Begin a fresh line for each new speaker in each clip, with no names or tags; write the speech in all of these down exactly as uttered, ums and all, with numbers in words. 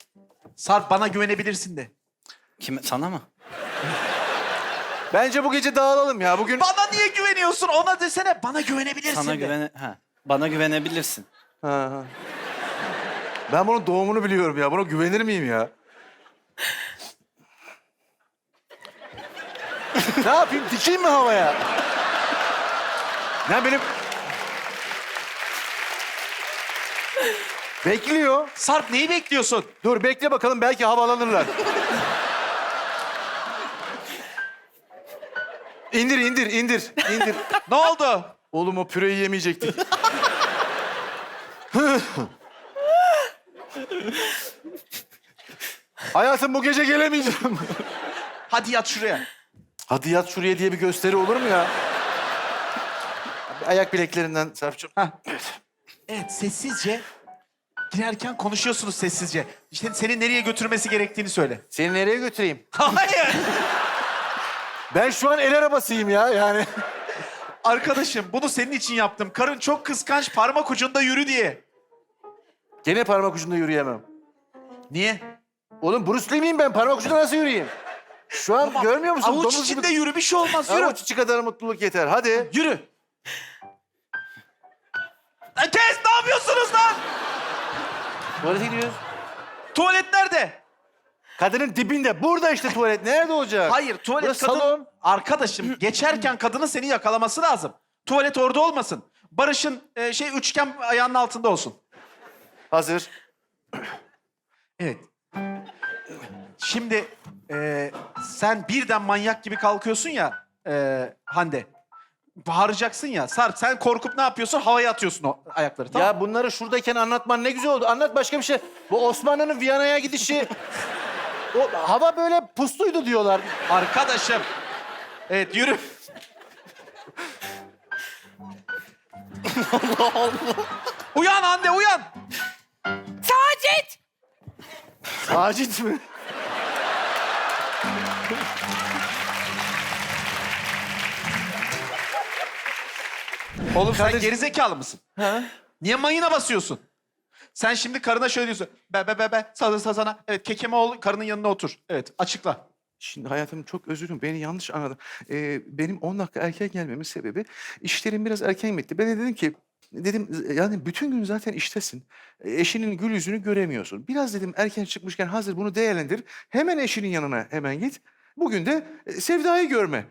Sarp bana güvenebilirsin de.
Kime? Sana mı?
Bence bu gece dağılalım ya. Bugün...
Bana niye güveniyorsun? Ona desene bana güvenebilirsin
Sana
de.
güvene... Ha. Bana güvenebilirsin.
Ha, ha. Ben bunun doğumunu biliyorum ya. Buna güvenir miyim ya? Ne yapayım? Dikeyim mi havaya? Ne benim... Bekliyor.
Sarp neyi bekliyorsun?
Dur bekle bakalım belki havalanırlar. İndir, indir, indir, indir.
Ne oldu?
Oğlum o püreyi yemeyecektik. Hayatım bu gece gelemeyeceğim.
Hadi yat şuraya.
Hadi yat şuraya diye bir gösteri olur mu ya? Ayak bileklerinden Sarp'cığım.
Heh. Evet sessizce girerken konuşuyorsunuz sessizce. İşte seni nereye götürmesi gerektiğini söyle.
Seni nereye götüreyim?
Hayır.
Ben şu an el arabasıyım ya yani.
Arkadaşım bunu senin için yaptım. Karın çok kıskanç parmak ucunda yürü diye.
Gene parmak ucunda yürüyemem.
Niye?
Oğlum Bruce Lee miyim ben? Parmak ucunda nasıl yürüyeyim? Şu an
Ama
görmüyor musun?
Avuç
Domuz
içinde
gibi-
yürü bir şey olmaz yürü.
Avuç içi kadar mutluluk yeter. Hadi.
Yürü. Lan kes ne yapıyorsunuz lan?
Tuvalete gidiyoruz.
Tuvalet nerede?
Kadının dibinde. Burada işte tuvalet. Nerede olacak?
Hayır tuvalet
Burası
kadın...
salon.
Arkadaşım geçerken kadının seni yakalaması lazım. Tuvalet orada olmasın. Barış'ın e, şey üçgen ayağının altında olsun.
Hazır.
Evet. Şimdi e, sen birden manyak gibi kalkıyorsun ya e, Hande. Bağıracaksın ya. Sarp sen korkup ne yapıyorsun? Havaya atıyorsun o ayakları tamam mı?
Ya bunları şuradayken anlatman ne güzel oldu. Anlat başka bir şey. Bu Osmanlı'nın Viyana'ya gidişi... O hava böyle pusluydu diyorlar.
Arkadaşım. Evet yürü. Allah Allah. Uyan Hande uyan.
Sacit!
Sacit mi?
Oğlum sen
Kardeşim-
gerizekalı mısın?
Ha?
Niye mayına basıyorsun? Sen şimdi karına şöyle diyorsun. Be be be be sana sana sana. Evet kekeme ol karının yanına otur. Evet açıkla.
Şimdi hayatım çok özür dilerim. Beni yanlış anladın. Ee, benim on dakika erken gelmemin sebebi işlerim biraz erken bitti. Ben de dedim ki dedim yani bütün gün zaten iştesin. E, Eşinin gül yüzünü göremiyorsun. Biraz dedim erken çıkmışken hazır bunu değerlendir. Hemen eşinin yanına hemen git. Bugün de e, Sevda'yı görme.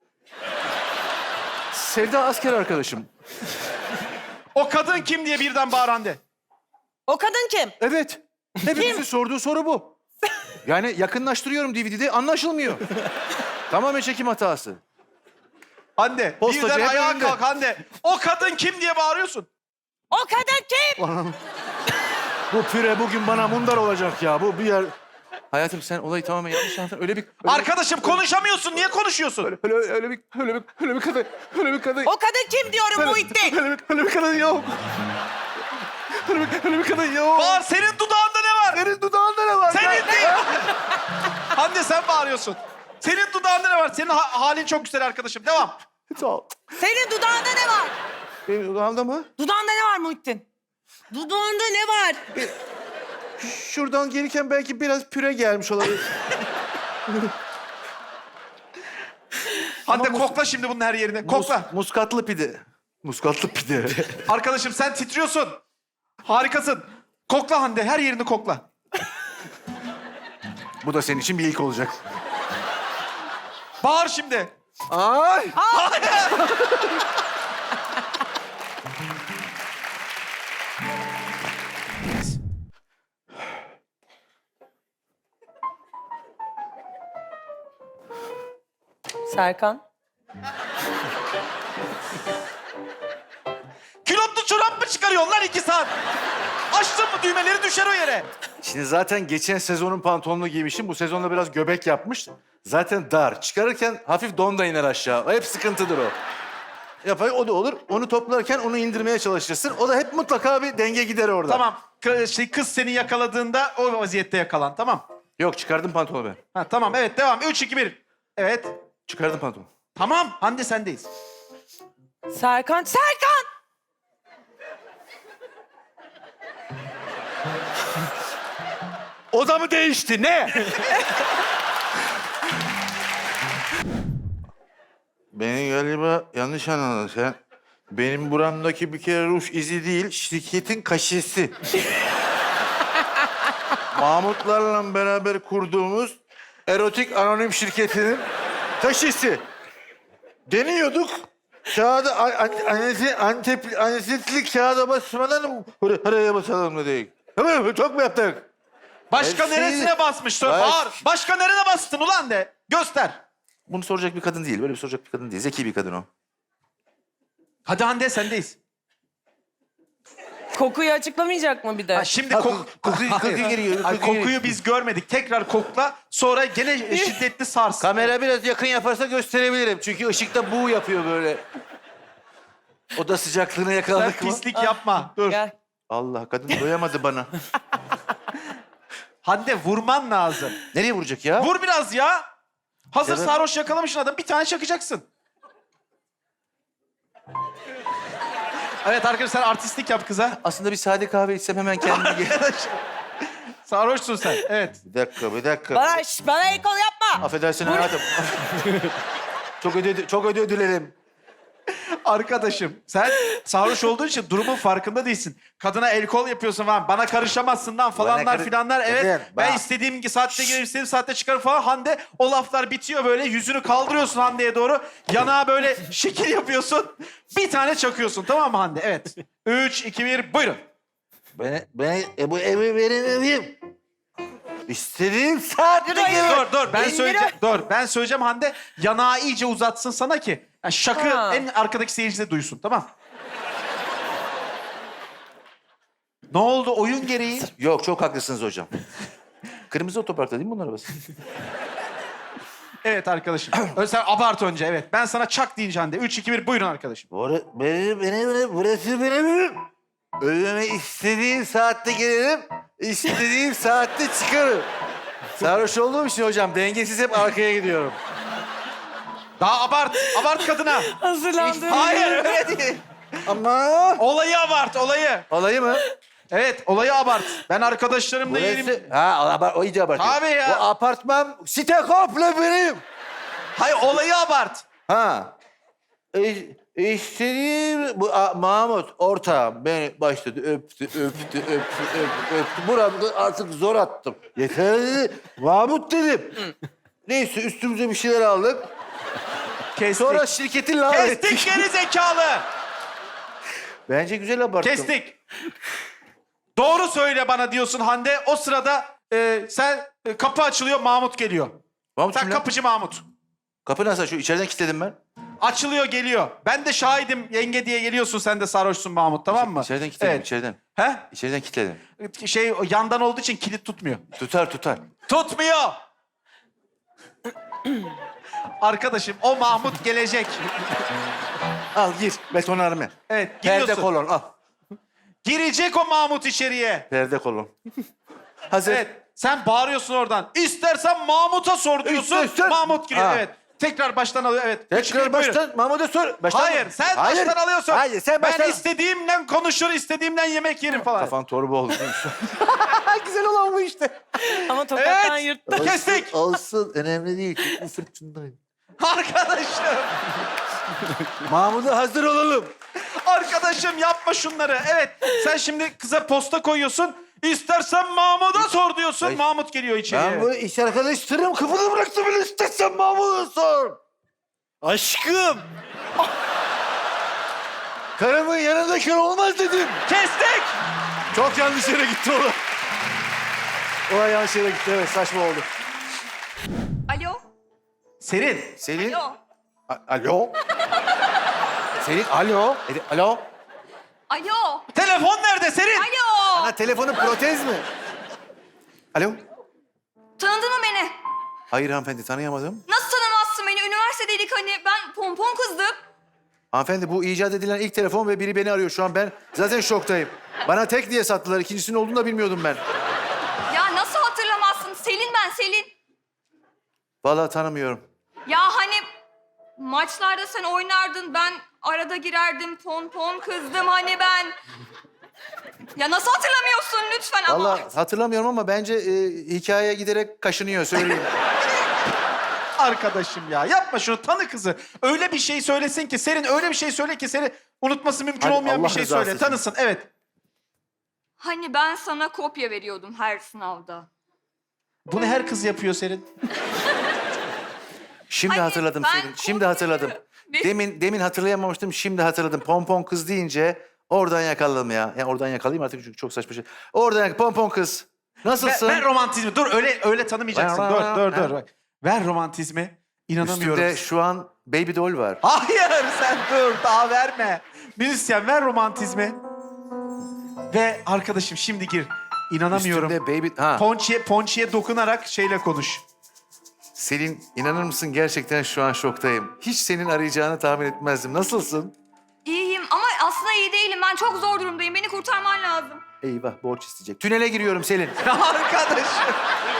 Sevda asker arkadaşım.
O kadın kim diye birden bağır Hande.
O kadın kim?
Evet. Hepimizin sorduğu soru bu. Yani yakınlaştırıyorum D V D'de anlaşılmıyor. Tamamen çekim hatası.
Hande
Postacı
birden
hep
ayağa
önünde.
kalk Hande. O kadın kim diye bağırıyorsun.
O kadın kim?
Bu püre bugün bana mundar olacak ya. Bu bir yer... Hayatım sen olayı tamamen yanlış anladın. Öyle bir... Öyle
Arkadaşım konuşamıyorsun. Niye konuşuyorsun?
bir, öyle, öyle, öyle bir... Öyle bir... Öyle bir kadın... Öyle bir kadın...
O kadın kim diyorum Muhittin?
Öyle bir, öyle bir kadın yok. Öyle bir, öyle bir kadın yok.
Bağır senin dudağında ne var?
Senin dudağında ne var?
Senin değil. Hande sen bağırıyorsun. Senin dudağında ne var? Senin ha- halin çok güzel arkadaşım. Devam.
Sağ ol.
Senin dudağında ne var?
Benim dudağımda mı?
Dudağında ne var Muhittin? Dudağında ne var?
Şuradan gelirken belki biraz püre gelmiş olabilir.
Hande
mus-
kokla şimdi bunun her yerine. Kokla.
Mus- muskatlı pide. Muskatlı pide.
Arkadaşım sen titriyorsun. Harikasın. Kokla Hande her yerini kokla.
Bu da senin için bir ilk olacak.
Bağır şimdi.
Ay!
Serkan.
Külotlu çorap mı çıkarıyorsun lan iki saat? Açtın mı düğmeleri düşer o yere.
Şimdi zaten geçen sezonun pantolonunu giymişim. Bu sezonda biraz göbek yapmış. Zaten dar. Çıkarırken hafif don da iner aşağı. O hep sıkıntıdır o. Yapay o da olur. Onu toplarken onu indirmeye çalışırsın. O da hep mutlaka bir denge gider orada.
Tamam. K- şey, kız seni yakaladığında o vaziyette yakalan. Tamam.
Yok çıkardım pantolonu ben.
Ha, tamam evet devam. Üç, iki, bir. Evet.
Çıkardım pantolonu.
Tamam. Hande sendeyiz.
Serkan. Serkan!
O da mı değişti? Ne? Beni galiba yanlış anladın sen. Benim buramdaki bir kere ruj izi değil, şirketin kaşesi. Mahmutlarla beraber kurduğumuz erotik anonim şirketinin kaşesi. Deniyorduk. Kağıda an, anesi, antep, anesetli kağıda basmadan oraya basalım dedik. Tamam mı? Çok mu yaptık?
Başka
Her şeyi-
neresine basmıştın?
Baş-
Bağır. Başka nerene bastın ulan de. Göster.
Bunu soracak bir kadın değil. Böyle bir soracak bir kadın değil. Zeki bir kadın o.
Hadi Hande sendeyiz.
Kokuyu açıklamayacak mı bir de?
Ha, şimdi
Ha,
kok
koku- kokuyu-
Hayır.
kokuyu geliyor,
Hayır,
kokuyu
kokuyu biz görmedik. Tekrar kokla. Sonra gene şiddetli sars.
Kamera biraz yakın yaparsa gösterebilirim. Çünkü ışıkta bu yapıyor böyle. Oda sıcaklığını
Sen
yakaladık mı?
pislik yapma. Dur.
Gel.
Allah kadın doyamadı bana.
Hande vurman lazım.
Nereye vuracak ya?
Vur biraz ya. Hazır
Ya ben-
sarhoş yakalamışsın adam. Bir tane çakacaksın. Evet arkadaşlar sen artistlik yap kıza.
Aslında bir sade kahve içsem hemen kendime gel.
Sarhoşsun sen. Evet.
Bir dakika, bir dakika.
Bana, şş, bana el kol yapma.
Affedersin hayatım. çok ödü çok ödü dilerim.
Arkadaşım sen sarhoş olduğun için durumun farkında değilsin. Kadına el kol yapıyorsun falan. Bana karışamazsın lan falanlar
karı-
filanlar. Evet
Kadın,
ben
bak.
istediğim saatte gelirim istediğim saatte çıkarım falan. Hande o laflar bitiyor böyle. Yüzünü kaldırıyorsun Hande'ye doğru. Yanağa böyle şekil yapıyorsun. Bir tane çakıyorsun tamam mı Hande? Evet. Üç, iki, bir buyurun.
Ben, ben e, bu evi veremeyeyim. İstediğim saatte gelirim.
Dur dur ben
İndirin.
söyleyeceğim. Dur ben söyleyeceğim Hande. Yanağı iyice uzatsın sana ki. Yani şakı
Ha.
en arkadaki seyirci de duysun tamam. Ne oldu oyun gereği?
Yok çok haklısınız hocam. Kırmızı otoparkta değil mi bunun arabası?
Evet arkadaşım. Ö- Sen abart önce evet. Ben sana çak deyince Hande. Üç, iki, bir buyurun arkadaşım.
Bura, benim, benim, burası benim evim. Ölüme istediğim saatte gelirim, istediğim saatte çıkarım.
Sarhoş olduğum için hocam dengesiz hep arkaya gidiyorum.
Daha abart. Abart kadına.
Hazırlandım.
Hayır öyle değil.
Ama
Olayı abart olayı.
Olayı mı?
Evet olayı abart. Ben arkadaşlarımla yerim.
burası... Ha, abar, o iyice abartıyor.
Tabii ya.
Bu apartman site komple benim.
Hayır olayı abart.
Ha. E, istediğim... Bu a, Mahmut ortağım beni başladı öptü, öptü, öptü, öptü, öptü. Buramda artık zor attım. Yeter dedi. Mahmut dedim. Neyse üstümüze bir şeyler aldık.
Kestik.
Sonra şirketi lanet ettik.
Kestik geri zekalı.
Bence güzel abarttım.
Kestik. Doğru söyle bana diyorsun Hande. O sırada e, sen e, kapı açılıyor Mahmut geliyor.
Mahmut
Sen
kim lan?
kapıcı Mahmut.
Kapı nasıl açıyor? İçeriden kilitledim ben.
Açılıyor geliyor. Ben de şahidim yenge diye geliyorsun sen de sarhoşsun Mahmut tamam mı?
İçeriden kilitledim,
Evet.
içeriden.
He?
İçeriden kilitledim.
Şey o yandan olduğu için kilit tutmuyor.
Tutar tutar.
Tutmuyor. Arkadaşım o Mahmut gelecek.
Al gir. Betonarme.
Evet
Perde
giriyorsun.
kolon al.
Girecek o Mahmut içeriye.
Perde kolon. Hazır.
Evet. Sen bağırıyorsun oradan. İstersen Mahmut'a sor diyorsun.
İstersen-
Mahmut giriyor.
Ha.
Evet. Tekrar baştan alıyor. Evet. Üç, iki,
Tekrar
bir, buyurun.
baştan Mahmut'a sor. Baştan
Hayır, sen
Hayır.
baştan alıyorsun.
Hayır, sen baştan...
Ben istediğimden konuşur, istediğimden yemek yerim falan.
Kafan torba oldu.
Güzel olan bu işte.
Ama tokattan
Evet.
yırttı.
Kestik.
Olsun, önemli değil. Çok bu fırtındayım.
Arkadaşım.
Mahmut'a hazır olalım.
Arkadaşım yapma şunları. Evet. Sen şimdi kıza posta koyuyorsun. İstersen Mahmut'a sor diyorsun.
Ay.
Mahmut geliyor içeriye.
Ben bu iş arkadaşlarım kapıda bıraktım bile istersen Mahmut'a sor.
Aşkım.
Karımın yanındayken olmaz dedim.
Kestik.
Çok yanlış yere gitti olay. Olay yanlış yere gitti, evet saçma oldu.
Alo.
Serin.
Selin.
Alo.
A- Alo. Selin alo. E- Alo.
Alo.
Telefon nerede Serin?
Alo.
Ha telefonun protez mi? Alo.
Tanıdın mı beni?
Hayır hanımefendi tanıyamadım.
Nasıl tanımazsın beni? Üniversitedeydik hani. Ben pompon kızdım.
Hanımefendi bu icat edilen ilk telefon ve biri beni arıyor şu an. Ben zaten şoktayım. Bana tek diye sattılar. İkincisinin olduğunu da bilmiyordum ben.
Ya nasıl hatırlamazsın? Selin ben Selin.
Vallahi tanımıyorum.
Ya hani maçlarda sen oynardın. Ben arada girerdim. Pompon kızdım hani ben. Ya nasıl hatırlamıyorsun lütfen ama.
Vallahi hatırlamıyorum ama bence e, hikayeye giderek kaşınıyor söyleyeyim.
Arkadaşım ya yapma şunu, tanı kızı. Öyle bir şey söylesin ki Serin, öyle bir şey söyle ki seni unutması mümkün
Hadi
olmayan
Allah
bir şey
rızası
söyle.
için.
Tanısın, evet.
Hani ben sana kopya veriyordum her sınavda.
Bunu her kız yapıyor Serin.
Şimdi
Hayır,
hatırladım
ben
Selin. Şimdi hatırladım.
Ne?
Demin demin hatırlayamamıştım. Şimdi hatırladım. Pompon kız deyince oradan yakaladım ya. Yani oradan yakalayayım artık çünkü çok saçma şey. Oradan yak- pompon kız.
Ver,
Nasılsın?
ver romantizmi. Dur öyle öyle tanımayacaksın.
Ver,
Dur
ver,
dur
ver.
dur. Bak. Ver romantizmi. İnanamıyorum.
Üstünde şu an baby doll var.
Hayır sen dur daha verme. Müzisyen ver romantizmi. Ve arkadaşım şimdi gir. İnanamıyorum.
Üstünde baby... Ha.
Ponçiye, ponçiye dokunarak şeyle konuş.
Selin inanır mısın gerçekten şu an şoktayım. Hiç senin arayacağını tahmin etmezdim. Nasılsın?
İyiyim ama aslında iyi değilim. Ben çok zor durumdayım. Beni kurtarman lazım.
Eyvah borç isteyecek. Tünele giriyorum Selin.
Arkadaşım.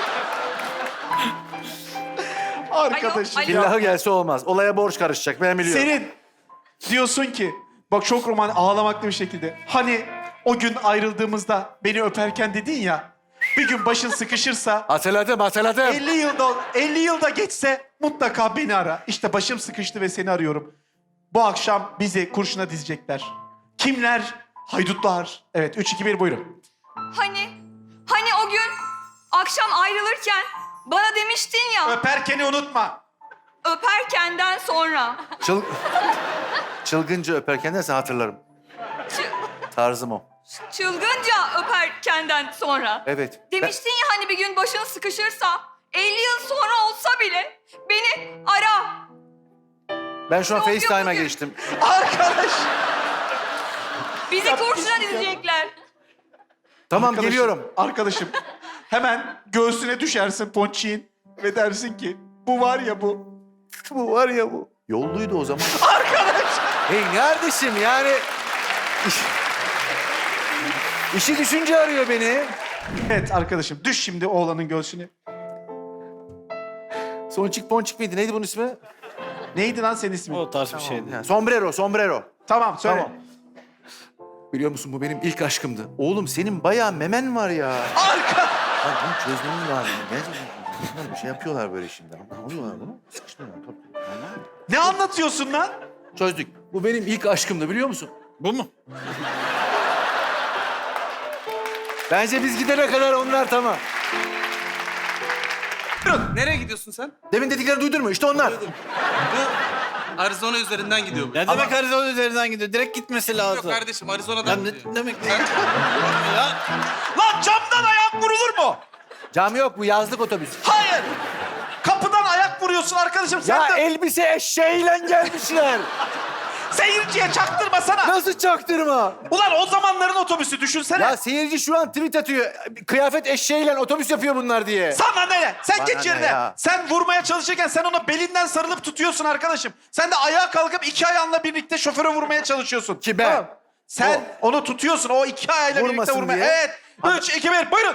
Arkadaşım.
Alo, alo.
İllahı gelse olmaz. Olaya borç karışacak ben biliyorum.
Senin diyorsun ki bak çok roman ağlamaklı bir şekilde. Hani o gün ayrıldığımızda beni öperken dedin ya. Bir gün başın sıkışırsa
Hatırladım hatırladım.
elli yılda elli yılda geçse mutlaka beni ara. İşte başım sıkıştı ve seni arıyorum. Bu akşam bizi kurşuna dizecekler. Kimler? Haydutlar. Evet üç iki bir buyurun.
Hani, hani o gün akşam ayrılırken bana demiştin ya
Öperkeni unutma.
öperkenden sonra.
Çıl... Çılgınca öperken dersen hatırlarım.
Çı-
Tarzım o.
çılgınca öperkenden sonra.
Evet.
Demiştin ya hani bir gün başın sıkışırsa elli yıl sonra olsa bile beni ara.
Ben, ben şu an
Yok, yok,
FaceTime'a
bugün.
geçtim.
Arkadaş.
Bizi kurşuna dizecekler.
Tamam
Arkadaşım,
geliyorum.
Arkadaşım hemen göğsüne düşersin ponçiğin ve dersin ki bu var ya bu.
Bu var ya bu. Yolluydu o zaman. Arkadaş. Hey kardeşim yani... İş... İşi düşünce arıyor beni.
Evet arkadaşım düş şimdi oğlanın göğsüne.
Sonçik ponçik miydi? Neydi bunun ismi?
Neydi lan senin ismin?
O tarz bir şeydi.
Ha, sombrero, sombrero.
Tamam söyle.
Tamam. Biliyor musun bu benim ilk aşkımdı. Oğlum senin bayağı memen var ya.
Arka.
Lan bunu çözmemiz lazım. Gerçekten bir şey yapıyorlar böyle şimdi. Ne oluyorlar bunu? Sıkıştırıyorlar. Tabii. Anladın mı?
Ne anlatıyorsun lan?
Çözdük. Bu benim ilk aşkımdı biliyor musun?
Bu mu?
Bence biz gidene kadar onlar tamam.
Nereye gidiyorsun sen?
Demin dediklerini duydun mu? İşte onlar.
Bu Arizona üzerinden gidiyor. bu.
Ne demek Arizona üzerinden gidiyor? Direkt gitmesi
Yok
lazım.
kardeşim Arizona'dan
Ya ne
gidiyor.
demek?
Sen...
Ya
Lan camdan ayak vurulur mu?
Cam yok bu yazlık otobüs.
Hayır. Kapıdan ayak vuruyorsun arkadaşım sen
Ya
de.
elbise eşeğiyle gelmişler.
Seyirciye çaktırmasana.
Nasıl çaktırma?
Ulan o zamanların otobüsü düşünsene.
Ya seyirci şu an tweet atıyor. Kıyafet eşeğiyle otobüs yapıyor bunlar diye.
Sana ne? Sen
Bana
geç
ne
yerine.
ya?
Sen vurmaya çalışırken sen ona belinden sarılıp tutuyorsun arkadaşım. Sen de ayağa kalkıp iki ayağınla birlikte şoföre vurmaya çalışıyorsun.
Ki ben?
Tamam. Sen onu tutuyorsun o iki ayağıyla birlikte
Vurmasın
vurmaya.
diye.
Evet. Üç, iki, bir buyurun.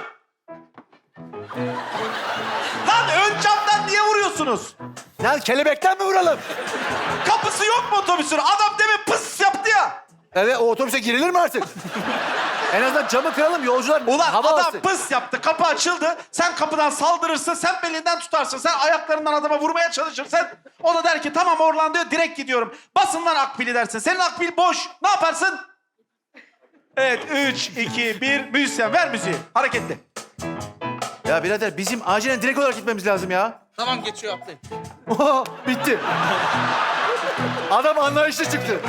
Lan ön camdan niye vuruyorsunuz?
Lan kelebekten mi vuralım?
Kapısı yok mu otobüsün? Adam demin pıs yaptı ya.
Evet o otobüse girilir mi artık? En azından camı kıralım yolcular
Ulan
hava
adam
alsın.
pıs yaptı. Kapı açıldı. Sen kapıdan saldırırsın. Sen belinden tutarsın. Sen ayaklarından adama vurmaya çalışırsın. O da der ki tamam Orlando'ya direkt gidiyorum. Basın lan akbili dersin. Senin akbil boş. Ne yaparsın? Evet. Üç, iki, bir. Müzisyen ver müziği. Hareketli.
Ya birader bizim acilen direkt olarak gitmemiz lazım ya.
Tamam geçiyor atlayın.
Oha, bitti. Adam anlayışlı çıktı.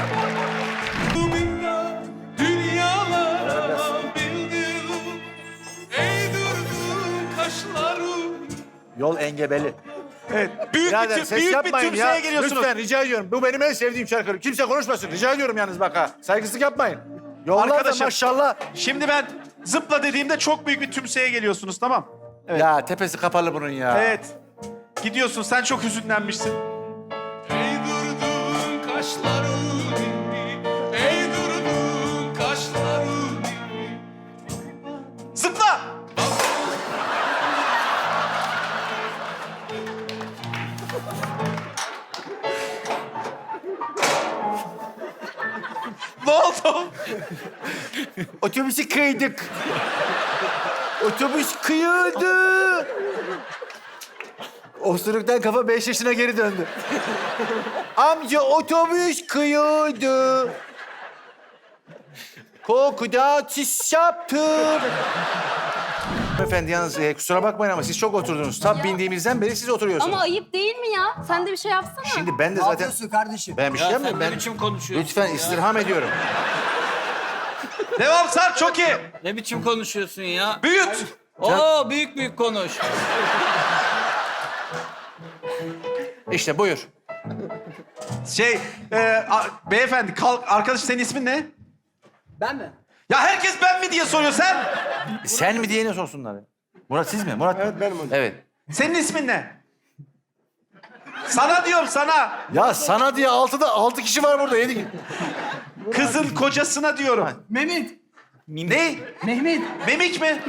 Yol engebeli.
Evet. Büyük
Birader
bir, tüm,
ses
büyük bir
yapmayın
tümseye
ya.
geliyorsunuz.
Lütfen rica ediyorum. Bu benim en sevdiğim şarkı. Kimse konuşmasın. Rica ediyorum yalnız bak ha. Saygısızlık yapmayın. Yollar da
Arkadaşım.
maşallah.
Şimdi ben zıpla dediğimde çok büyük bir tümseye geliyorsunuz tamam. Evet.
Ya tepesi kapalı bunun ya.
Evet. Gidiyorsun. Sen çok hüzünlenmişsin.
Ey durdun kaşların ey durdun kaşların
Zıpla. Ne oldu?
Otobüsü kıydık. Otobüs kıyıldı. Osuruktan kafa beş yaşına geri döndü. Amca otobüs kıyıldı. Kokuda çiş yaptım. Efendi yalnız e, kusura bakmayın ama siz çok oturdunuz. Tam bindiğimizden beri siz oturuyorsunuz.
Ama ayıp değil mi ya? Sen de bir şey yapsana.
Şimdi ben de zaten...
kardeşim?
Ben bir şey
Ya
yapmıyorum.
sen ne
Ben...
biçim konuşuyorsun
Lütfen
ya?
istirham ediyorum.
Devam Sarp, çok iyi.
Ne biçim konuşuyorsun ya?
Büyüt.
Oo büyük büyük konuş.
İşte buyur.
Şey, e, a- beyefendi kalk. Arkadaş senin ismin ne?
Ben mi?
Ya herkes ben mi diye soruyor sen.
Sen mi diyene sorsunlar. ya. Murat siz mi? Murat Evet benim hocam. Evet.
Senin ismin ne? Sana diyorum sana.
Ya sana diye altıda altı kişi var burada. Yedi.
Kızın kocasına diyorum.
Mehmet.
Ne?
Mehmet.
Memik mi?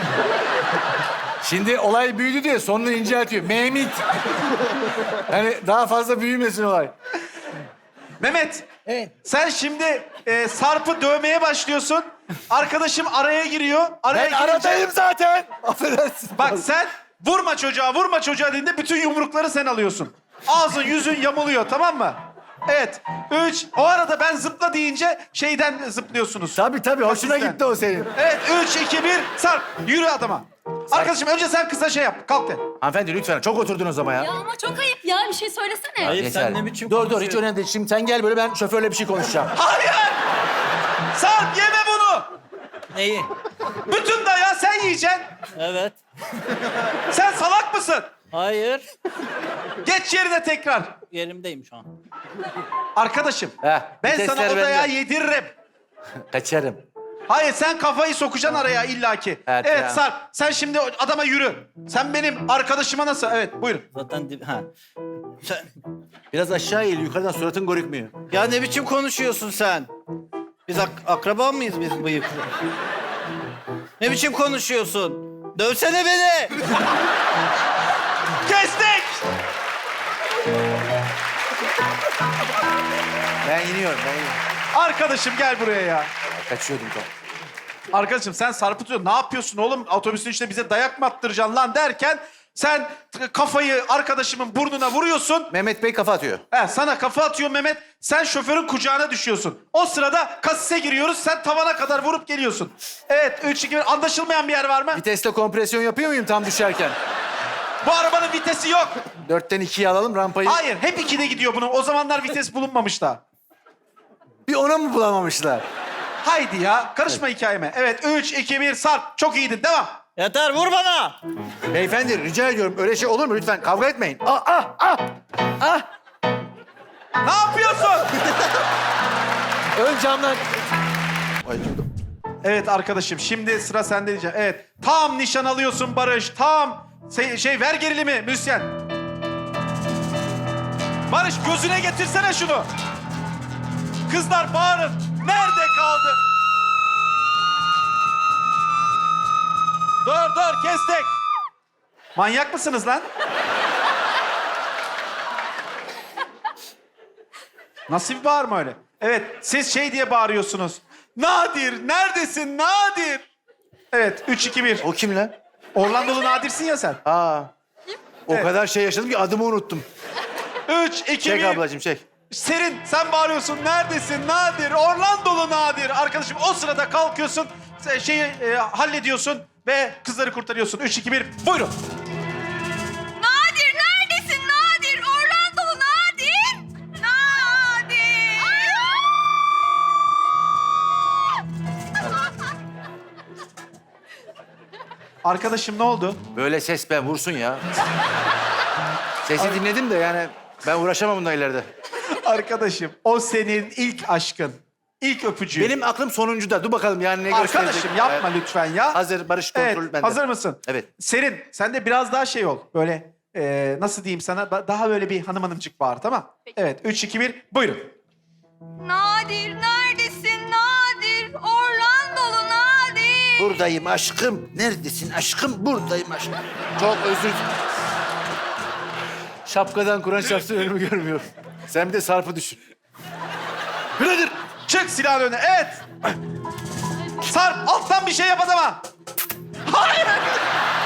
Şimdi olay büyüdü diye sonunu inceltiyor. Mehmet. Yani daha fazla büyümesin olay.
Mehmet.
Evet.
Sen şimdi e, Sarp'ı dövmeye başlıyorsun. Arkadaşım araya giriyor. Araya
Ben
girince-
aradayım zaten. Affedersin.
Bak sen vurma çocuğa, vurma çocuğa dediğinde bütün yumrukları sen alıyorsun. Ağzın yüzün yamuluyor, tamam mı? Evet. Üç. O arada ben zıpla deyince şeyden zıplıyorsunuz.
Tabii tabii hoşuna
Asisten.
gitti o senin.
Evet. Üç, iki, bir. Sarp. Yürü adama. Arkadaşım önce sen kıza şey yap. Kalk de.
Hanımefendi lütfen çok oturdunuz ama ya.
Ya ama çok ayıp ya. Bir şey söylesene.
Hayır
Yeter.
sen ne biçim
Dur dur hiç
konuşuyorsun?
önemli değil. Şimdi sen gel böyle ben şoförle bir şey konuşacağım.
Hayır! Sarp yeme bunu.
Neyi?
Bütün dayağı sen yiyeceksin.
Evet.
Sen salak mısın?
Hayır.
Geç yerine tekrar.
Yerimdeyim şu an.
Arkadaşım.
Heh,
Ben
vitesler
sana o
bende.
dayağı yediririm.
Kaçarım.
Hayır sen kafayı sokacaksın araya illaki.
Evet
Evet,
ya.
Sarp sen şimdi o adama yürü. Sen benim arkadaşıma nasıl? Evet buyurun.
Zaten dib- ha. Sen...
Biraz aşağı eğil yukarıdan suratın görükmüyor.
Ya ne biçim konuşuyorsun sen? Biz ak- akraba mıyız biz bıyıklı? Ne biçim konuşuyorsun? Dövsene beni!
Kestik!
Ben iniyorum ben iniyorum.
Arkadaşım gel buraya ya.
Kaçıyordum tam.
Arkadaşım sen Sarp'ı tutuyorsun. Ne yapıyorsun oğlum? Otobüsün içinde bize dayak mı attıracaksın lan derken sen t- kafayı arkadaşımın burnuna vuruyorsun.
Mehmet Bey kafa atıyor.
He, sana kafa atıyor Mehmet. Sen şoförün kucağına düşüyorsun. O sırada kasise giriyoruz. Sen tavana kadar vurup geliyorsun. Evet üç, iki, bir. Anlaşılmayan bir yer var mı?
Vitesle kompresyon yapıyor muyum tam düşerken?
Bu arabanın vitesi yok.
Dörtten ikiye alalım rampayı.
Hayır hep ikide gidiyor bunun. O zamanlar vites bulunmamış da.
Bir ona mı bulamamışlar?
Haydi ya. Karışma hikayeme. Evet üç, iki, bir. Sarp. Çok iyiydin. Devam.
Yeter vur bana!
Beyefendi rica ediyorum öyle şey olur mu lütfen kavga etmeyin. Ah ah ah ah.
Ne yapıyorsun?
Ön camdan. Acıdım.
Evet arkadaşım şimdi sıra sende diyeceğim. Evet tam nişan alıyorsun Barış. Tam şey, şey ver gerilimi müzisyen. Barış gözüne getirsene şunu. Kızlar bağırın. Nerede kaldı? Dur dur kestik. Manyak mısınız lan? Nasıl bir bağırma öyle? Evet siz şey diye bağırıyorsunuz. Nadir neredesin Nadir? Evet üç, iki, bir.
O kim lan?
Orlandolu Nadir'sin ya sen.
Aa. O
Evet.
kadar şey yaşadım ki adımı unuttum.
Üç, iki,
Çek
bir.
ablacığım çek.
Serin sen bağırıyorsun. Neredesin Nadir? Orlandolu Nadir. Arkadaşım o sırada kalkıyorsun. se- Şeyi e, hallediyorsun ve kızları kurtarıyorsun. Üç, iki, bir. Buyurun.
Nadir neredesin Nadir? Orlandolu Nadir. Nadir.
Arkadaşım ne oldu?
Böyle ses ben vursun ya. Sesi dinledim de yani ben uğraşamam bununla ileride.
Arkadaşım o senin ilk aşkın. İlk öpücüğün.
Benim aklım sonuncuda. Dur bakalım yani ne gösterecek.
Arkadaşım yapma
Evet.
lütfen ya.
Hazır Barış kontrol
Evet,
bende.
hazır mısın?
Evet.
Serin, sen de biraz daha şey ol. Böyle e, nasıl diyeyim sana? Ba- Daha böyle bir hanım hanımcık bağır, tamam? Evet, üç, iki, bir. Buyurun.
Nadir neredesin Nadir? Orlandolu Nadir.
Buradayım aşkım. Neredesin aşkım? Buradayım aşkım. Çok özür Şapkadan Kur'an şapsın önümü görmüyorum. Sen bir de Sarp'ı düşün. Birader!
Çık silahın önüne. Evet. Sarp alttan bir şey yap adama. Hayır.